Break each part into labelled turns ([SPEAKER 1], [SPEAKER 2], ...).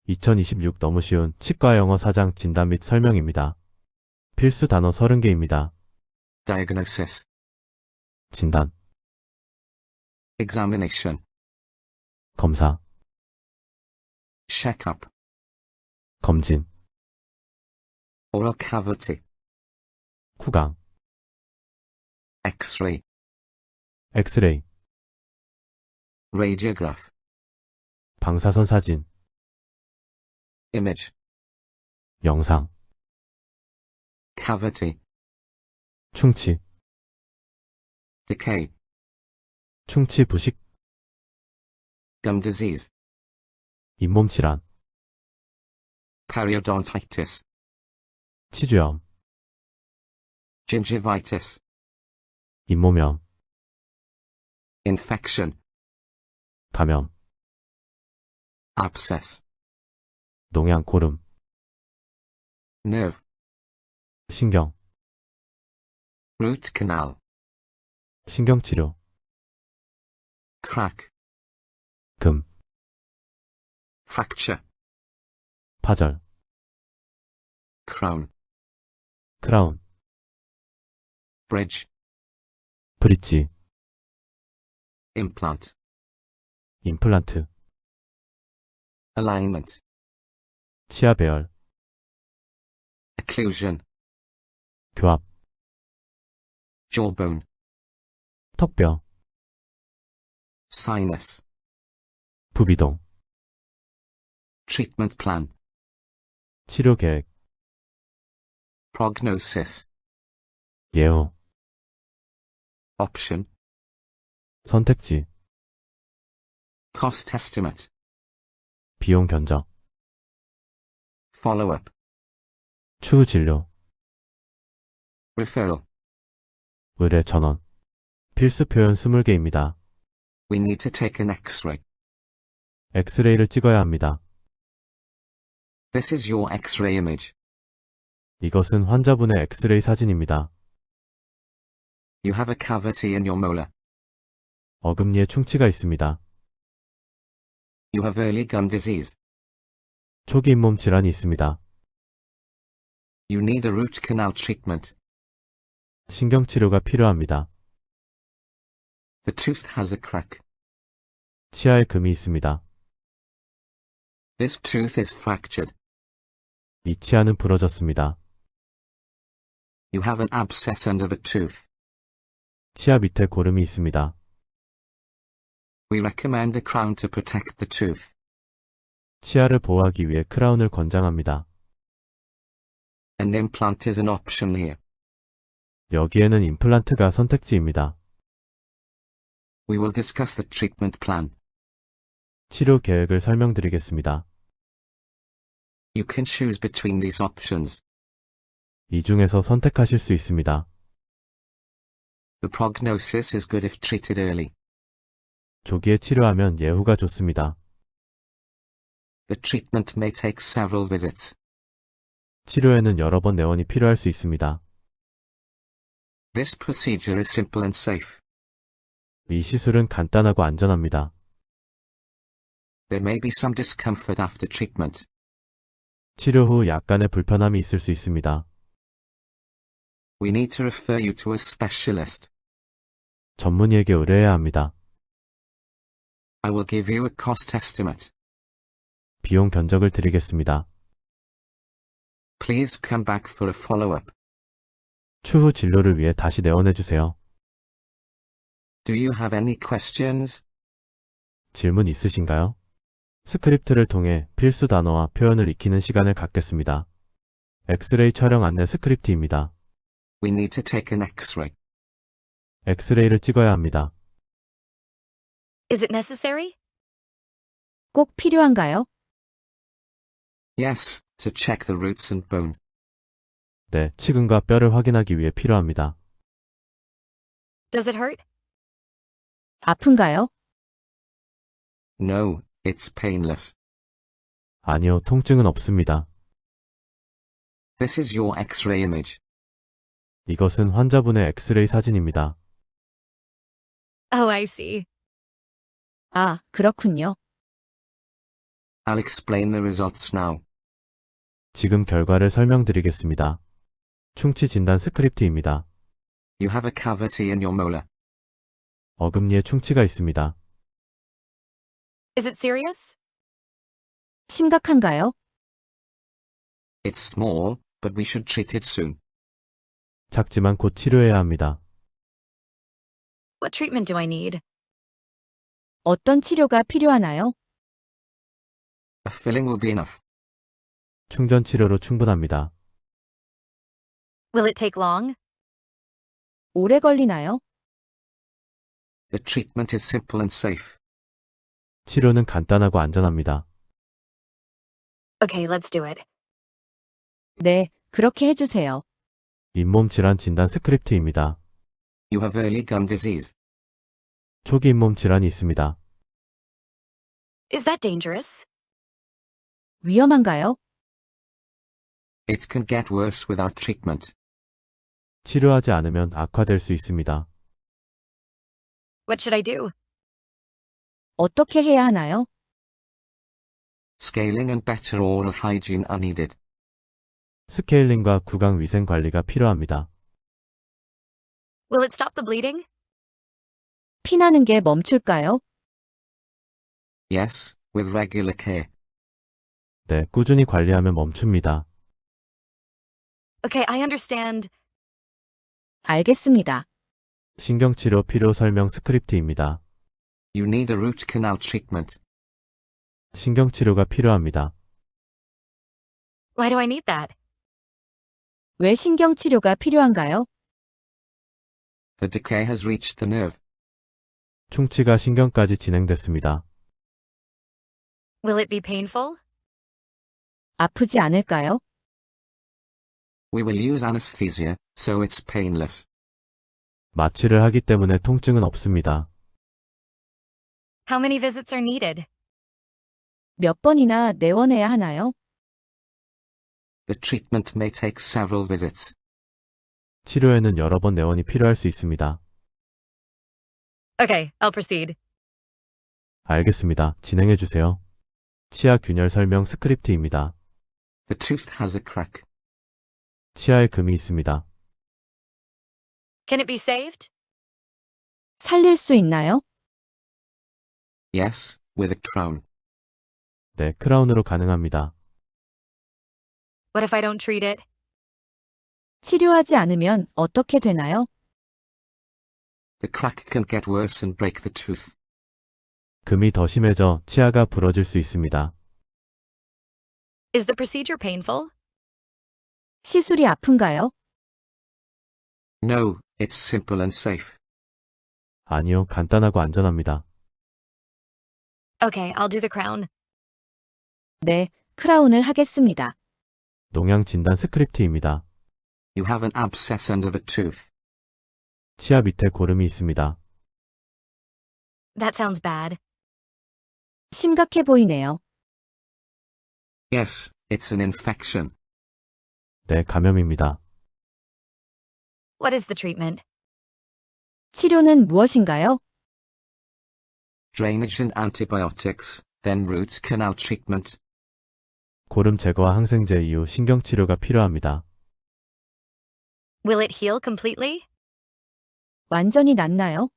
[SPEAKER 1] 2026 너무 쉬운 치과 영어 사장 진단 및 설명입니다. 필수 단어 30개입니다.
[SPEAKER 2] diagnosis,
[SPEAKER 1] 진단,
[SPEAKER 2] examination,
[SPEAKER 1] 검사,
[SPEAKER 2] checkup,
[SPEAKER 1] 검진,
[SPEAKER 2] oral cavity,
[SPEAKER 1] 쿠강,
[SPEAKER 2] x-ray,
[SPEAKER 1] 엑스레이,
[SPEAKER 2] radiograph,
[SPEAKER 1] 방사선 사진,
[SPEAKER 2] image,
[SPEAKER 1] 영상,
[SPEAKER 2] cavity,
[SPEAKER 1] 충치,
[SPEAKER 2] decay,
[SPEAKER 1] 충치 부식,
[SPEAKER 2] gum disease,
[SPEAKER 1] 잇몸 질환,
[SPEAKER 2] periodontitis,
[SPEAKER 1] 치주염,
[SPEAKER 2] gingivitis,
[SPEAKER 1] 잇몸염,
[SPEAKER 2] infection,
[SPEAKER 1] 감염,
[SPEAKER 2] abscess,
[SPEAKER 1] 농양 고름,
[SPEAKER 2] nerve,
[SPEAKER 1] 신경,
[SPEAKER 2] root canal,
[SPEAKER 1] 신경치료,
[SPEAKER 2] crack,
[SPEAKER 1] 금,
[SPEAKER 2] fracture,
[SPEAKER 1] 파절,
[SPEAKER 2] crown,
[SPEAKER 1] 크라운,
[SPEAKER 2] bridge,
[SPEAKER 1] 브릿지,
[SPEAKER 2] implant,
[SPEAKER 1] 임플란트,
[SPEAKER 2] alignment,
[SPEAKER 1] 치아 배열,
[SPEAKER 2] occlusion,
[SPEAKER 1] 교합,
[SPEAKER 2] jawbone,
[SPEAKER 1] 턱뼈,
[SPEAKER 2] sinus,
[SPEAKER 1] 부비동,
[SPEAKER 2] treatment plan,
[SPEAKER 1] 치료 계획,
[SPEAKER 2] prognosis,
[SPEAKER 1] 예후,
[SPEAKER 2] option,
[SPEAKER 1] 선택지,
[SPEAKER 2] cost estimate,
[SPEAKER 1] 비용 견적,
[SPEAKER 2] follow-up,
[SPEAKER 1] 추후 진료,
[SPEAKER 2] referral.
[SPEAKER 1] 의뢰 전원, 필수 표현 20개입니다.
[SPEAKER 2] We need to take an x-ray.
[SPEAKER 1] 엑스레이를 찍어야 합니다.
[SPEAKER 2] This is your x-ray image.
[SPEAKER 1] 이것은 환자분의 엑스레이 사진입니다.
[SPEAKER 2] You have a cavity in your molar.
[SPEAKER 1] 어금니에 충치가 있습니다.
[SPEAKER 2] You have early gum disease.
[SPEAKER 1] 초기 잇몸 질환이 있습니다.
[SPEAKER 2] You need a root canal treatment.
[SPEAKER 1] 신경치료가 필요합니다.
[SPEAKER 2] The tooth has a crack.
[SPEAKER 1] 치아에 금이 있습니다.
[SPEAKER 2] This tooth is fractured.
[SPEAKER 1] 이 치아는 부러졌습니다.
[SPEAKER 2] You have an abscess under the tooth.
[SPEAKER 1] 치아 밑에 고름이 있습니다.
[SPEAKER 2] We recommend a crown to protect the tooth.
[SPEAKER 1] 치아를 보호하기 위해 크라운을 권장합니다.
[SPEAKER 2] An implant is an option here.
[SPEAKER 1] 여기에는 임플란트가 선택지입니다.
[SPEAKER 2] We will discuss the treatment plan.
[SPEAKER 1] 치료 계획을 설명드리겠습니다.
[SPEAKER 2] You can choose between these options.
[SPEAKER 1] 이 중에서 선택하실 수 있습니다.
[SPEAKER 2] The prognosis is good if treated early.
[SPEAKER 1] 조기에 치료하면 예후가 좋습니다.
[SPEAKER 2] The treatment may take several visits.
[SPEAKER 1] 치료에는 여러 번 내원이 필요할 수 있습니다.
[SPEAKER 2] This procedure is simple and safe.
[SPEAKER 1] 이 시술은 간단하고 안전합니다.
[SPEAKER 2] There may be some discomfort after treatment.
[SPEAKER 1] 치료 후 약간의 불편함이 있을 수 있습니다.
[SPEAKER 2] We need to refer you to a specialist.
[SPEAKER 1] 전문의에게 의뢰해야 합니다.
[SPEAKER 2] I will give you a cost estimate.
[SPEAKER 1] 비용 견적을 드리겠습니다.
[SPEAKER 2] Please come back for a follow-up.
[SPEAKER 1] 추후 진료를 위해 다시 내원해주세요.
[SPEAKER 2] Do you have any questions?
[SPEAKER 1] 질문 있으신가요? 스크립트를 통해 필수 단어와 표현을 익히는 시간을 갖겠습니다. 엑스레이 촬영 안내 스크립트입니다.
[SPEAKER 2] We need to take an x-ray.
[SPEAKER 1] 엑스레이를 찍어야 합니다.
[SPEAKER 3] Is it necessary?
[SPEAKER 4] 꼭 필요한가요?
[SPEAKER 2] Yes, to check the roots and bone.
[SPEAKER 1] 네, 치근과 뼈를 확인하기 위해 필요합니다.
[SPEAKER 3] Does it hurt?
[SPEAKER 4] 아픈가요?
[SPEAKER 2] No, it's painless.
[SPEAKER 1] 아니요, 통증은 없습니다.
[SPEAKER 2] This is your x-ray image.
[SPEAKER 1] 이것은 환자분의 엑스레이 사진입니다.
[SPEAKER 3] Oh, I see.
[SPEAKER 4] 아, 그렇군요.
[SPEAKER 2] I'll explain the results now.
[SPEAKER 1] 지금 결과를 설명드리겠습니다. 충치 진단 스크립트입니다.
[SPEAKER 2] You have a cavity in your molar.
[SPEAKER 1] 어금니에 충치가 있습니다.
[SPEAKER 3] Is it serious?
[SPEAKER 4] 심각한가요?
[SPEAKER 2] It's small, but we should treat it soon.
[SPEAKER 1] 작지만 곧 치료해야 합니다.
[SPEAKER 3] What treatment do I need?
[SPEAKER 4] 어떤 치료가 필요하나요?
[SPEAKER 2] A filling will be enough.
[SPEAKER 1] 충전 치료로 충분합니다.
[SPEAKER 3] Will it take long?
[SPEAKER 4] 오래 걸리나요?
[SPEAKER 2] The treatment is simple and safe.
[SPEAKER 1] 치료는 간단하고 안전합니다.
[SPEAKER 3] Okay, let's do it.
[SPEAKER 4] 네, 그렇게 해주세요.
[SPEAKER 1] 잇몸 질환 진단 스크립트입니다.
[SPEAKER 2] You have early gum disease.
[SPEAKER 1] 초기 잇몸 질환이 있습니다.
[SPEAKER 3] Is that dangerous?
[SPEAKER 4] 위험한가요?
[SPEAKER 2] It can get worse without treatment.
[SPEAKER 1] 치료하지 않으면 악화될 수 있습니다.
[SPEAKER 3] What should I do?
[SPEAKER 4] 어떻게 해야 하나요?
[SPEAKER 2] Scaling and better oral hygiene are needed.
[SPEAKER 1] 스케일링과 구강 위생 관리가 필요합니다.
[SPEAKER 3] Will it stop the bleeding?
[SPEAKER 4] 피나는 게 멈출까요?
[SPEAKER 2] Yes, with regular care.
[SPEAKER 1] 네, 꾸준히 관리하면 멈춥니다.
[SPEAKER 3] Okay, I understand.
[SPEAKER 4] 알겠습니다.
[SPEAKER 1] 신경치료 필요 설명 스크립트입니다.
[SPEAKER 2] You need a root canal treatment.
[SPEAKER 1] 신경치료가 필요합니다.
[SPEAKER 3] Why do I need that?
[SPEAKER 4] 왜 신경치료가 필요한가요?
[SPEAKER 2] The decay has reached the nerve.
[SPEAKER 1] 충치가 신경까지 진행됐습니다.
[SPEAKER 3] Will it be painful?
[SPEAKER 4] 아프지 않을까요?
[SPEAKER 2] We will use anesthesia, so it's painless.
[SPEAKER 1] 마취를 하기 때문에 통증은 없습니다.
[SPEAKER 3] How many visits are needed?
[SPEAKER 4] 몇 번이나 내원해야 하나요?
[SPEAKER 2] The treatment may take several visits.
[SPEAKER 1] 치료에는 여러 번 내원이 필요할 수 있습니다.
[SPEAKER 3] Okay, I'll proceed.
[SPEAKER 1] 알겠습니다. 진행해 주세요. 치아 균열 설명 스크립트입니다.
[SPEAKER 2] The tooth has a crack.
[SPEAKER 1] 치아에 금이 있습니다.
[SPEAKER 3] Can it be saved?
[SPEAKER 4] 살릴 수 있나요?
[SPEAKER 2] Yes, with a crown.
[SPEAKER 1] 네, 크라운으로 가능합니다.
[SPEAKER 3] What if I don't treat it?
[SPEAKER 4] 치료하지 않으면 어떻게 되나요?
[SPEAKER 2] The crack can get worse and break the tooth.
[SPEAKER 1] 금이 더 심해져 치아가 부러질 수 있습니다.
[SPEAKER 3] Is the procedure painful?
[SPEAKER 4] 시술이 아픈가요?
[SPEAKER 2] No, it's simple and safe.
[SPEAKER 1] 아니요, 간단하고 안전합니다.
[SPEAKER 3] Okay, I'll do the crown.
[SPEAKER 4] 네, 크라운을 하겠습니다.
[SPEAKER 1] 농양 진단 스크립트입니다.
[SPEAKER 2] You have an abscess under the tooth.
[SPEAKER 1] 치아 밑에 고름이 있습니다.
[SPEAKER 3] That sounds bad.
[SPEAKER 4] 심각해 보이네요.
[SPEAKER 2] Yes, it's an infection.
[SPEAKER 1] 네, 감염입니다.
[SPEAKER 3] What is the treatment?
[SPEAKER 4] 치료는 무엇인가요?
[SPEAKER 2] Drainage and antibiotics, then root canal treatment.
[SPEAKER 1] 고름 제거와 항생제 이후 신경치료가 필요합니다.
[SPEAKER 3] Will it heal completely?
[SPEAKER 4] 완전히 낫나요?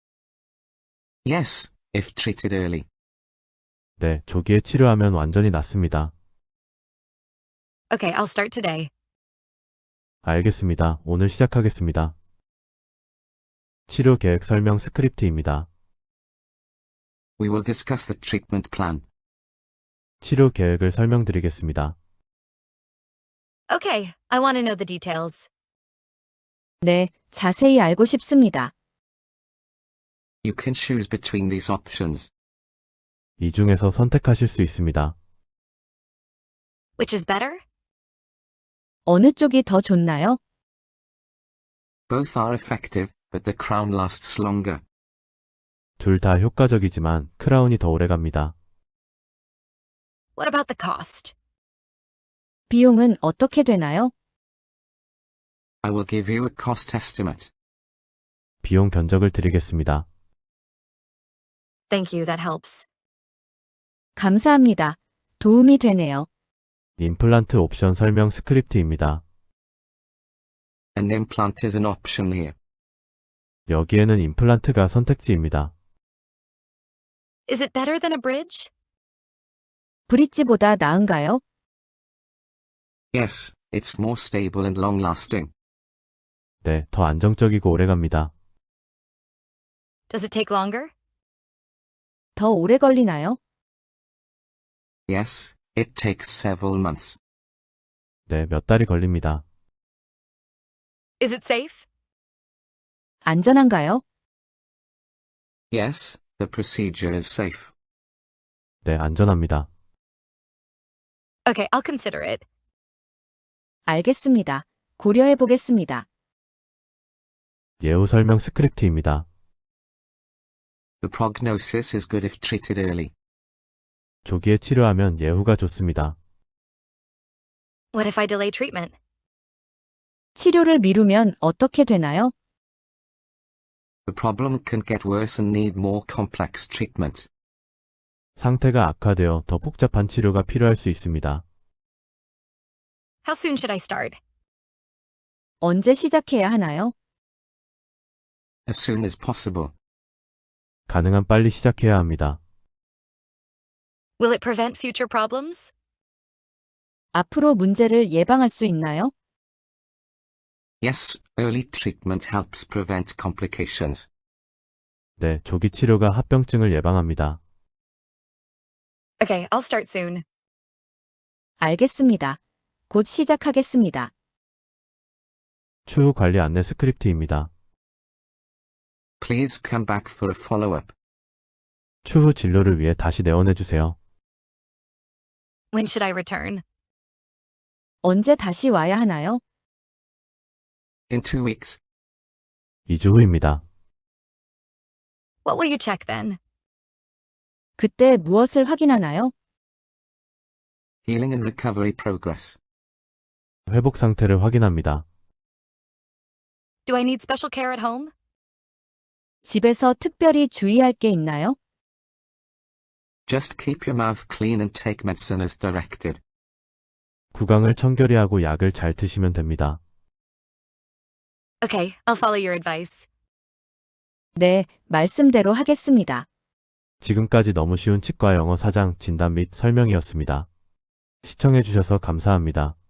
[SPEAKER 2] Yes, if treated early.
[SPEAKER 1] 네, 조기에 치료하면 완전히 낫습니다.
[SPEAKER 3] Okay, I'll start today.
[SPEAKER 1] 알겠습니다. 오늘 시작하겠습니다. 치료 계획 설명 스크립트입니다.
[SPEAKER 2] We will discuss the treatment plan.
[SPEAKER 1] 치료 계획을 설명드리겠습니다.
[SPEAKER 3] Okay, I want to know the details.
[SPEAKER 4] 네, 자세히 알고 싶습니다.
[SPEAKER 2] You can choose between these options.
[SPEAKER 1] 이 중에서 선택하실 수 있습니다.
[SPEAKER 3] Which is better?
[SPEAKER 4] 어느 쪽이 더 좋나요?
[SPEAKER 2] Both are effective, but the crown lasts longer.
[SPEAKER 1] 둘 다 효과적이지만 크라운이 더 오래 갑니다.
[SPEAKER 3] What about the cost?
[SPEAKER 4] 비용은 어떻게 되나요?
[SPEAKER 2] I will give you a cost estimate.
[SPEAKER 1] 비용 견적을 드리겠습니다.
[SPEAKER 3] Thank you, that helps.
[SPEAKER 4] 감사합니다. 도움이 되네요.
[SPEAKER 1] 임플란트 옵션 설명 스크립트입니다.
[SPEAKER 2] An implant is an option here.
[SPEAKER 1] 여기에는 임플란트가 선택지입니다.
[SPEAKER 3] Is it better than a bridge?
[SPEAKER 4] 브릿지보다 나은가요?
[SPEAKER 2] Yes, it's more stable and long-lasting.
[SPEAKER 1] 네, 더 안정적이고 오래갑니다.
[SPEAKER 3] Does it take longer?
[SPEAKER 4] 더 오래 걸리나요?
[SPEAKER 2] Yes, it takes several months.
[SPEAKER 1] 네, 몇 달이 걸립니다.
[SPEAKER 3] Is it safe?
[SPEAKER 4] 안전한가요?
[SPEAKER 2] Yes, the procedure is safe.
[SPEAKER 1] 네, 안전합니다.
[SPEAKER 3] Okay, I'll consider it.
[SPEAKER 4] 알겠습니다. 고려해 보겠습니다.
[SPEAKER 1] 예후 설명 스크립트입니다.
[SPEAKER 2] The prognosis is good if treated early.
[SPEAKER 1] 조기에 치료하면 예후가 좋습니다.
[SPEAKER 3] What if I delay treatment?
[SPEAKER 4] 치료를 미루면 어떻게 되나요?
[SPEAKER 2] The problem can get worse and need more complex treatment.
[SPEAKER 1] 상태가 악화되어 더 복잡한 치료가 필요할 수 있습니다.
[SPEAKER 3] How soon should I start?
[SPEAKER 4] 언제 시작해야 하나요?
[SPEAKER 2] As soon as possible.
[SPEAKER 1] 가능한 빨리 시작해야 합니다.
[SPEAKER 3] Will it prevent future problems?
[SPEAKER 4] 앞으로 문제를 예방할 수 있나요?
[SPEAKER 2] Yes, early treatment helps prevent complications.
[SPEAKER 1] 네, 조기 치료가 합병증을 예방합니다.
[SPEAKER 3] Okay, I'll start soon.
[SPEAKER 4] 알겠습니다. 곧 시작하겠습니다.
[SPEAKER 1] 추후 관리 안내 스크립트입니다.
[SPEAKER 2] Please come back for a follow-up.
[SPEAKER 1] 추후 진료를 위해 다시 내원해 주세요.
[SPEAKER 3] When should I return?
[SPEAKER 4] 언제 다시 와야 하나요?
[SPEAKER 2] In 2 weeks.
[SPEAKER 1] 2주 후입니다.
[SPEAKER 3] What will you check then?
[SPEAKER 4] 그때 무엇을 확인하나요?
[SPEAKER 2] Healing and recovery progress.
[SPEAKER 1] 회복 상태를 확인합니다.
[SPEAKER 3] Do I need special care at home?
[SPEAKER 4] 집에서 특별히 주의할 게 있나요?
[SPEAKER 2] Just keep your mouth clean and take medicine as directed.
[SPEAKER 1] 구강을 청결히 하고 약을 잘 드시면 됩니다.
[SPEAKER 3] Okay, I'll follow your advice.
[SPEAKER 4] 네, 말씀대로 하겠습니다.
[SPEAKER 1] 지금까지 너무 쉬운 치과 영어 사장 진단 및 설명이었습니다. 시청해주셔서 감사합니다.